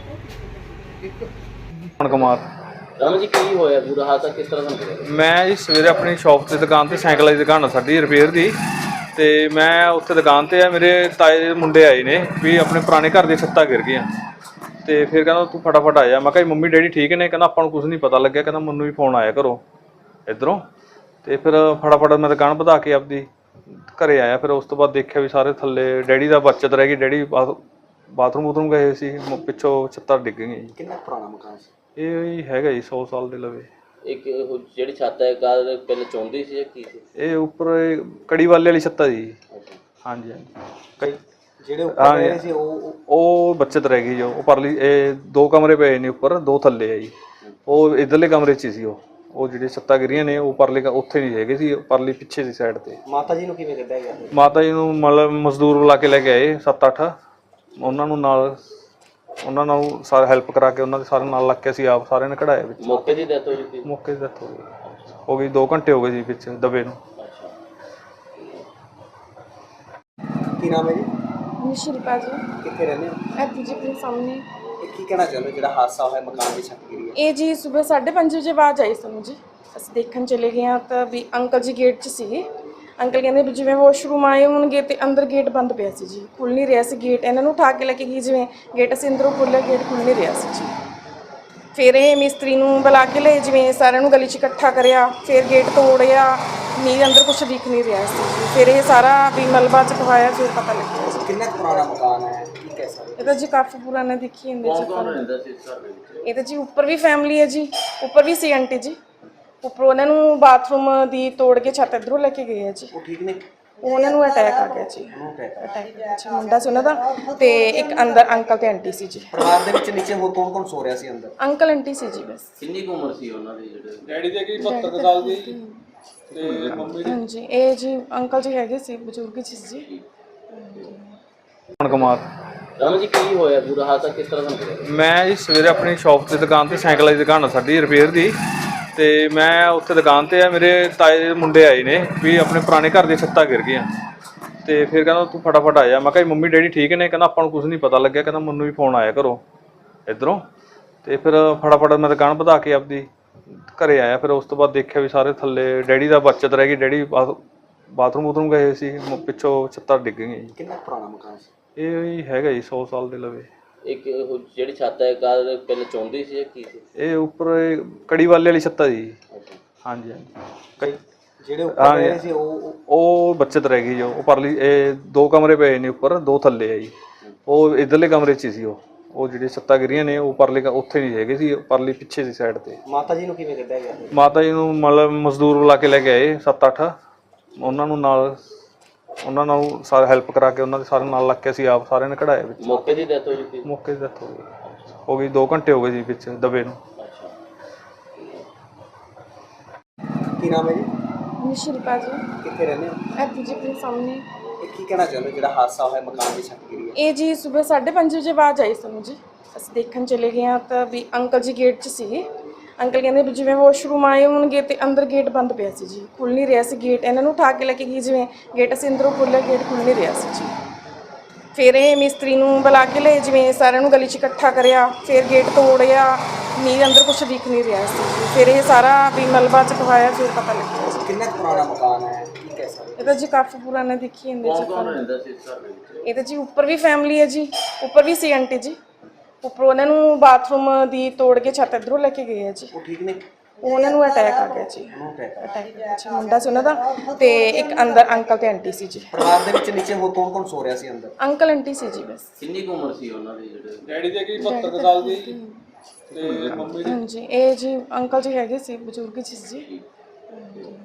कुमार ਰਾਮ ਜੀ ਕੀ ਹੋਇਆ ਪੂਰਾ ਹਾਦਸਾ ਕਿਸ ਤਰ੍ਹਾਂ ਦਾ ਹੋਇਆ? मैं जी सवेरे अपनी शॉप की दुकान से साइकिल की दुकान है साडी रिपेयर की तो मैं उत्थे दुकान से मेरे ताए दे मुंडे आए ने भी अपने पुराने घर दी छत्तां गिर गई तो फिर कहना तू फटाफट आया। मैं कहा मम्मी डैडी ठीक ने? कहना आपां नूं कुछ नहीं पता लग्या, कहना मैनूं भी फोन आया घरों इधरों। तो फिर फटाफट मैं दुकान वधा के आपदी घरे आया। फिर उस तो बाद देखा भी सारे थल्ले डैडी का बचत रह गई, डैडी बाथरूम बूथरूम गए सी, पिछों छत्तां डिग गई जी। ਕਿੰਨਾ ਪੁਰਾਣਾ ਮਕਾਨ ਸੀ? ये हैगा जी 100 साल दे लवे। ਇੱਕ ਉਹ ਜਿਹੜੀ ਛੱਤ ਹੈ ਕਾਰ ਪਹਿਲੇ ਚੌਂਦੀ ਸੀ ਜਾਂ ਕੀ ਸੀ? ये उपर कड़ी वाले वाली छत्ता जी। ਅੱਛਾ हाँ जी हाँ जी कई ਜਿਹੜੇ ਉੱਪਰ ਰਹੇ ਸੀ ਉਹ बचत रह गई जो उपरली दो कमरे पे ने उपर, दो थल्ले है जी। वो इधरले कमरे च सी ਉਹ ਜਿਹੜੇ ਛੱਤਾਂ ਗਿਰੀਆਂ ਨੇ ਉਹ ਪਰਲੇ ਉੱਥੇ ਨਹੀਂ ਹੈਗੇ ਸੀ, ਪਰਲੀ ਪਿੱਛੇ ਦੀ ਸਾਈਡ ਤੇ। ਮਾਤਾ ਜੀ ਨੂੰ ਕਿਵੇਂ ਕੱਢਿਆ ਗਿਆ? ਮਾਤਾ ਜੀ ਨੂੰ ਮਤਲਬ ਮਜ਼ਦੂਰ ਬੁਲਾ ਕੇ ਲੈ ਕੇ ਆਏ 7-8, ਉਹਨਾਂ ਨੂੰ ਸਾਰਾ ਹੈਲਪ ਕਰਾ ਕੇ ਉਹਨਾਂ ਦੇ ਸਾਰੇ ਨਾਲ ਲੱਗ ਕੇ ਅਸੀਂ ਆਪ ਸਾਰਿਆਂ ਨੇ ਕਢਾਇਆ ਵਿੱਚ। ਮੌਕੇ ਦੀ ਡੈਥ ਹੋ ਗਈ? ਮੌਕੇ ਦੀ ਡੈਥ ਹੋ ਗਈ 2 ਘੰਟੇ ਹੋ ਗਏ ਜੀ ਵਿੱਚ ਦਬੇ ਨੂੰ। ਕੀ ਨਾਮ ਹੈ ਜੀ? शिल्पा जी ਕਿੱਥੇ ਰਹਿੰਦੇ ਹੋ? ਇੱਥੇ ਜੀ ਆਪਣੇ ਸਾਹਮਣੇ। ਇਹ ਕੀ ਕਹਿਣਾ ਚਾਹੁੰਦੇ ਜਿਹੜਾ ਹਾਦਸਾ ਹੋਇਆ ਮਕਾਨ ਦੀ ਛੱਤ ਗਿਰੀ ਹੈ? ਇਹ ਜੀ ਸਵੇਰ 5:30 ਵਜੇ ਆਵਾਜ਼ ਆਈ ਸਾਨੂੰ ਜੀ। ਅਸੀਂ ਦੇਖਣ ਚਲੇ ਗਏ ਹਾਂ ਤਾਂ ਵੀ ਅੰਕਲ ਜੀ ਗੇਟ 'ਚ ਸੀਗੇ। ਅੰਕਲ ਕਹਿੰਦੇ ਵੀ ਜਿਵੇਂ ਵਾਸ਼ਰੂਮ ਆਏ ਹੋਣਗੇ ਤੇ ਅੰਦਰ ਗੇਟ ਬੰਦ ਪਿਆ ਸੀ ਜੀ, ਖੁੱਲ੍ਹ ਨਹੀਂ ਰਿਹਾ ਸੀ ਗੇਟ। ਇਹਨਾਂ ਨੂੰ ਉਠਾ ਕੇ ਲੈ ਕੇ ਗਈ, ਜਿਵੇਂ ਗੇਟ ਅਸੀਂ ਅੰਦਰੋਂ ਖੋਲ੍ਹਿਆ ਗੇਟ ਖੁੱਲ੍ਹ ਨਹੀਂ ਰਿਹਾ ਸੀ ਜੀ। ਫਿਰ ਇਹ ਮਿਸਤਰੀ ਨੂੰ ਬੁਲਾ ਕੇ ਲਏ, ਜਿਵੇਂ ਸਾਰਿਆਂ ਨੂੰ ਗਲੀ 'ਚ ਇਕੱਠਾ ਕਰਿਆ, ਫਿਰ ਗੇਟ ਤੋੜਿਆ, ਨਹੀਂ ਅੰਦਰ ਕੁਝ ਦਿਖ ਨਹੀਂ ਰਿਹਾ ਸੀ ਜੀ। ਫਿਰ ਇਹ ਸਾਰਾ ਵੀ ਮਲਬਾ ਚਕਵਾਇਆ, ਫਿਰ ਪਤਾ ਲੱਗਿਆ ਜੀ। ਕਿੰਨਾ ਪੁਰਾਣਾ ਮਕਾਨ ਹੈ? ਕੀ ਕਹਿ ਸਕਦੇ? ਇਹ ਤਾਂ ਜੀ ਕਾਫੀ ਪੁਰਾਣਾ ਦੇਖੀ ਜਾਂਦੇ ਜੀ। ਕੌਣ ਰਹਿੰਦਾ ਸੀ ਇਸ ਘਰ ਦੇ ਵਿੱਚ? ਇਹ ਤਾਂ ਜੀ ਉੱਪਰ ਵੀ ਫੈਮਿਲੀ ਹੈ ਜੀ, ਉੱਪਰ ਵੀ ਸੀ ਆਂਟੀ ਜੀ। ਉੱਪਰ ਉਹਨਾਂ ਨੂੰ ਬਾਥਰੂਮ ਦੀ ਤੋੜ ਕੇ ਛੱਤ ਇੱਧਰੋਂ ਲੈ ਕੇ ਗਏ ਆ ਜੀ। ਉਹ ਠੀਕ ਨੇ? ਉਹਨਾਂ ਨੂੰ ਅਟੈਕ ਆ ਗਿਆ ਜੀ। ਅਟੈਕ ਅੱਛਾ ਮੁੰਡਾ ਸੀ ਉਹਨਾਂ ਦਾ, ਤੇ ਇੱਕ ਅੰਦਰ ਅੰਕਲ ਤੇ ਆਂਟੀ ਸੀ ਜੀ। ਪਰਿਵਾਰ ਦੇ ਵਿੱਚ ਨੀਚੇ ਹੋਰ ਕੌਣ ਕੌਣ ਸੋ ਰਿਹਾ ਸੀ ਅੰਦਰ? ਅੰਕਲ ਆਂਟੀ ਸੀ ਜੀ ਬਸ। ਕਿੰਨੀ ਕੁ ਉਮਰ ਸੀ ਉਹਨਾਂ ਦੀ? ਜਿਹੜੇ ਡੈਡੀ ਦੇ ਕੀ 72 ਸਾਲ ਦੀ ਤੇ ਮੰਮੀ ਹਾਂਜੀ ਇਹ ਜੀ ਅੰਕਲ ਜੀ ਹੈਗੇ ਸੀ, ਬਜ਼ੁਰਗ ਸੀ ਜੀ। ਕੁਮਾਰ ਰਾਮ ਜੀ ਕੀ ਹੋਇਆ ਪੂਰਾ ਹਾਦਸਾ ਕਿਸ ਤਰ੍ਹਾਂ ਦਾ ਹੋਇਆ? ਮੈਂ ਜੀ ਸਵੇਰੇ ਆਪਣੀ ਸ਼ਾਪ ਤੇ ਦੁਕਾਨ ਤੇ ਸਾਈਕਲ ਦੀ ਦੁਕਾਨ ਹੈ ਸਾਡੀ ਰਿਪੇਅਰ ਦੀ ਤੇ ਮੈਂ ਉੱਥੇ ਦੁਕਾਨ ਤੇ ਆ ਮੇਰੇ ਤਾਏ ਦੇ ਮੁੰਡੇ ਆਏ ਨੇ ਵੀ ਆਪਣੇ ਪੁਰਾਣੇ ਘਰ ਦੀਆਂ ਛੱਤਾਂ ਗਿਰ ਗਈਆਂ ਤੇ ਫਿਰ ਕਹਿੰਦਾ ਤੂੰ ਫਟਾਫਟ ਆਇਆ। ਮੈਂ ਕਿਹਾ ਮੰਮੀ ਡੈਡੀ ਠੀਕ ਨੇ? ਕਹਿੰਦਾ ਆਪਾਂ ਨੂੰ ਕੁਝ ਨਹੀਂ ਪਤਾ ਲੱਗਿਆ, ਕਹਿੰਦਾ ਮੈਨੂੰ ਵੀ ਫੋਨ ਆਇਆ ਘਰੋਂ ਇਧਰੋਂ। ਤੇ ਫਿਰ ਫਟਾਫਟ ਮੈਂ ਦੁਕਾਨ ਵਧਾ ਕੇ ਆਪਦੀ ਘਰੇ ਆਇਆ। ਫਿਰ ਉਸ ਤੋਂ ਬਾਅਦ ਦੇਖਿਆ ਵੀ ਸਾਰੇ ਥੱਲੇ ਡੈਡੀ ਦਾ ਬਚਤ ਰਹਿ ਗਈ, ਡੈਡੀ ਬਾਥਰੂਮ ਬੂਥਰੂਮ ਗਏ ਸੀ, ਪਿੱਛੋਂ ਛੱਤਾਂ ਡਿੱਗ ਗਈਆਂ ਜੀ। ਕਿੰਨਾ ਪੁਰਾਣਾ ਮਕਾਨ ਸੀ? ਇਹ ਹੈਗਾ ਜੀ 100 ਸਾਲ ਦੇ ਲਵੇ। ਇੱਕ ਉਹ ਜਿਹੜੀ ਛੱਤ ਹੈ ਕਾਰ ਪਹਿਲੇ ਚੌਂਦੀ ਸੀ ਜਾਂ ਕੀ ਸੀ? ਇਹ ਉੱਪਰ ਕੜੀ ਵਾਲੇ ਵਾਲੀ ਛੱਤਾਂ ਜੀ। ਅੱਛਾ ਹਾਂਜੀ ਹਾਂਜੀ ਕਈ ਜਿਹੜੇ ਉੱਪਰ ਰਹੇ ਸੀ ਉਹ ਬਚਤ ਰਹਿ ਗਈ ਜੋ ਪਰਲੀ 2 ਕਮਰੇ ਪਏ ਨੇ ਉੱਪਰ, 2 ਥੱਲੇ ਹੈ ਜੀ। ਉਹ ਇਧਰਲੇ ਕਮਰੇ 'ਚ ਸੀ ਉਹ ਜਿਹੜੇ ਛੱਤਾਂ ਗਿਰੀਆਂ ਨੇ ਉਹ ਪਰਲੇ ਉੱਥੇ ਨਹੀਂ ਹੈਗੇ ਸੀ, ਪਰਲੀ ਪਿੱਛੇ ਦੀ ਸਾਈਡ ਤੇ। ਮਾਤਾ ਜੀ ਨੂੰ ਕਿਵੇਂ ਕੱਢਿਆ ਗਿਆ? ਮਾਤਾ ਜੀ ਨੂੰ ਮਤਲਬ ਮਜ਼ਦੂਰ ਬੁਲਾ ਕੇ ਲੈ ਕੇ ਆਏ 7-8, ਉਹਨਾਂ ਨੂੰ ਸਾਰਾ ਹੈਲਪ ਕਰਾ ਕੇ ਉਹਨਾਂ ਦੇ ਸਾਰੇ ਨਾਲ ਲੱਗ ਕੇ ਅਸੀਂ ਆਪ ਸਾਰਿਆਂ ਨੇ ਕਢਾਇਆ ਵਿੱਚ। ਮੌਕੇ ਦੀ ਡੈਥ ਹੋ ਗਈ? ਮੌਕੇ ਦੀ ਡੈਥ ਹੋ ਗਈ 2 ਘੰਟੇ ਹੋ ਗਏ ਜੀ ਵਿੱਚ ਦਬੇ ਨੂੰ। ਕੀ ਨਾਮ ਹੈ ਜੀ? शिल्पा जी ਕਿੱਥੇ ਰਹਿੰਦੇ ਹੋ? ਇੱਥੇ ਜੀ ਆਪਣੇ ਸਾਹਮਣੇ। ਇਹ ਕੀ ਕਹਿਣਾ ਚਾਹੁੰਦੇ ਜਿਹੜਾ ਹਾਦਸਾ ਹੋਇਆ ਮਕਾਨ ਦੀ ਛੱਤ ਗਿਰੀ ਹੈ? ਇਹ ਜੀ ਸਵੇਰ 5:30 ਵਜੇ ਆਵਾਜ਼ ਆਈ ਸਾਨੂੰ ਜੀ। ਅਸੀਂ ਦੇਖਣ ਚਲੇ ਗਏ ਹਾਂ ਤਾਂ ਵੀ ਅੰਕਲ ਜੀ ਗੇਟ 'ਚ ਸੀਗੇ। ਅੰਕਲ ਕਹਿੰਦੇ ਵੀ ਜਿਵੇਂ ਵਾਸ਼ਰੂਮ ਆਏ ਹੋਣਗੇ ਤੇ ਅੰਦਰ ਗੇਟ ਬੰਦ ਪਿਆ ਸੀ ਜੀ, ਖੁੱਲ੍ਹ ਨਹੀਂ ਰਿਹਾ ਸੀ ਗੇਟ। ਇਹਨਾਂ ਨੂੰ ਉਠਾ ਕੇ ਲੈ ਕੇ ਗਈ, ਜਿਵੇਂ ਗੇਟ ਅਸੀਂ ਅੰਦਰੋਂ ਖੋਲ੍ਹਿਆ ਗੇਟ ਖੁੱਲ੍ਹ ਨਹੀਂ ਰਿਹਾ ਸੀ ਜੀ। ਫਿਰ ਇਹ ਮਿਸਤਰੀ ਨੂੰ ਬੁਲਾ ਕੇ ਲਏ, ਜਿਵੇਂ ਸਾਰਿਆਂ ਨੂੰ ਗਲੀ 'ਚ ਇਕੱਠਾ ਕਰਿਆ, ਫਿਰ ਗੇਟ ਤੋੜਿਆ, ਨਹੀਂ ਅੰਦਰ ਕੁਝ ਦਿਖ ਨਹੀਂ ਰਿਹਾ ਸੀ ਜੀ। ਫਿਰ ਇਹ ਸਾਰਾ ਵੀ ਮਲਬਾ ਚਕਵਾਇਆ, ਫਿਰ ਪਤਾ ਲੱਗਿਆ ਜੀ। ਕਿੰਨਾ ਪੁਰਾਣਾ ਮਕਾਨ ਹੈ? ਕੀ ਕਹਿ ਸਕਦੇ? ਇਹ ਤਾਂ ਜੀ ਕਾਫੀ ਪੁਰਾਣਾ ਦੇਖੀ ਜਾਂਦੇ ਜੀ। ਕੌਣ ਰਹਿੰਦਾ ਸੀ ਇਸ ਘਰ ਦੇ ਵਿੱਚ? ਇਹ ਤਾਂ ਜੀ ਉੱਪਰ ਵੀ ਫੈਮਿਲੀ ਹੈ ਜੀ, ਉੱਪਰ ਵੀ ਸੀ ਆਂਟੀ ਜੀ। ਉੱਪਰ ਉਹਨਾਂ ਨੂੰ ਬਾਥਰੂਮ ਦੀ ਤੋੜ ਕੇ ਛੱਤ ਇੱਧਰੋਂ ਲੈ ਕੇ ਗਏ ਆ ਜੀ। ਉਹ ਠੀਕ ਨੇ? ਉਹਨਾਂ ਨੂੰ ਅਟੈਕ ਆ ਗਿਆ ਜੀ। ਅਟੈਕ ਅੱਛਾ ਮੁੰਡਾ ਸੀ ਉਹਨਾਂ ਦਾ, ਤੇ ਇੱਕ ਅੰਦਰ ਅੰਕਲ ਤੇ ਆਂਟੀ ਸੀ ਜੀ। ਪਰਿਵਾਰ ਦੇ ਵਿੱਚ ਨੀਚੇ ਹੋਰ ਕੌਣ ਕੌਣ ਸੋ ਰਿਹਾ ਸੀ ਅੰਦਰ? ਅੰਕਲ ਆਂਟੀ ਸੀ ਜੀ ਬਸ। ਕਿੰਨੀ ਕੁ ਉਮਰ ਸੀ ਉਹਨਾਂ ਦੀ? ਜਿਹੜੇ ਡੈਡੀ ਦੇ ਕੀ 72 ਸਾਲ ਦੀ ਤੇ ਮੰਮੀ ਹਾਂਜੀ ਇਹ ਜੀ ਅੰਕਲ ਜੀ ਹੈਗੇ ਸੀ, ਬਜ਼ੁਰਗ ਸੀ ਜੀ।